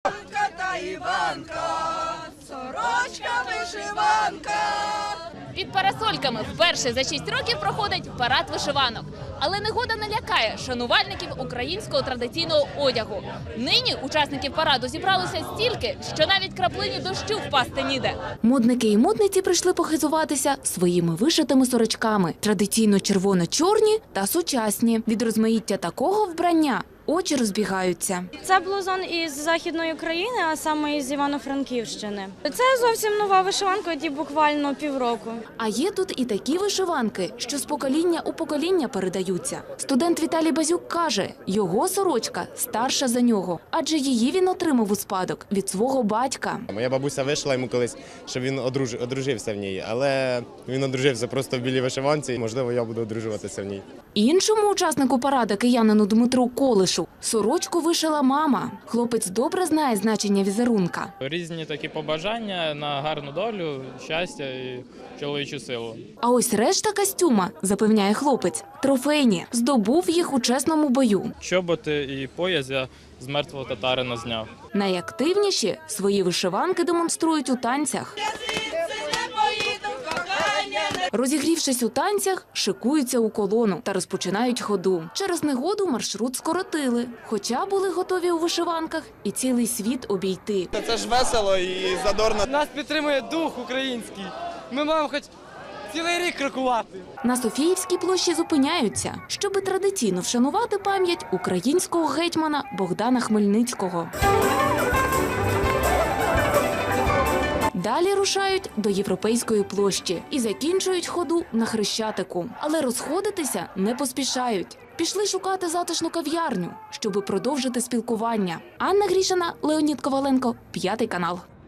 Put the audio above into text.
Та Іванка, сорочка вишиванка. Під парасольками вперше за 6 років проходить парад вишиванок. Але негода не лякає шанувальників українського традиційного одягу. Нині учасників параду зібралося стільки, що навіть краплині дощу впасти ніде. Модники і модниці прийшли похизуватися своїми вишитими сорочками. Традиційно червоно-чорні та сучасні. Від розмаїття такого вбрання очі розбігаються. Це блузон із Західної України, а саме із Івано-Франківщини. Це зовсім нова вишиванка, ті буквально півроку. А є тут і такі вишиванки, що з покоління у покоління передаються. Студент Віталій Базюк каже, його сорочка старша за нього, адже її він отримав у спадок від свого батька. Моя бабуся вишила йому колись, щоб він одружився в ній, але він одружився просто в білій вишиванці, і, можливо, я буду одружуватися в ній. Іншому учаснику параду, киянину Дмитру Колишу, сорочку вишила мама. Хлопець добре знає значення візерунка. Різні такі побажання на гарну долю, щастя і чоловічу силу. А ось решта костюма, запевняє хлопець, трофейні. Здобув їх у чесному бою. Чоботи і пояс я з мертвого татарина зняв. Найактивніші свої вишиванки демонструють у танцях. Розігрівшись у танцях, шикуються у колону та розпочинають ходу. Через негоду маршрут скоротили, хоча були готові у вишиванках і цілий світ обійти. Це ж весело і задорно. Нас підтримує дух український. Ми маємо хоч цілий рік крокувати. На Софіївській площі зупиняються, щоби традиційно вшанувати пам'ять українського гетьмана Богдана Хмельницького. Далі рушають до Європейської площі і закінчують ходу на Хрещатику. Але розходитися не поспішають. Пішли шукати затишну кав'ярню, щоби продовжити спілкування. Анна Грішина, Леонід Коваленко, 5 канал.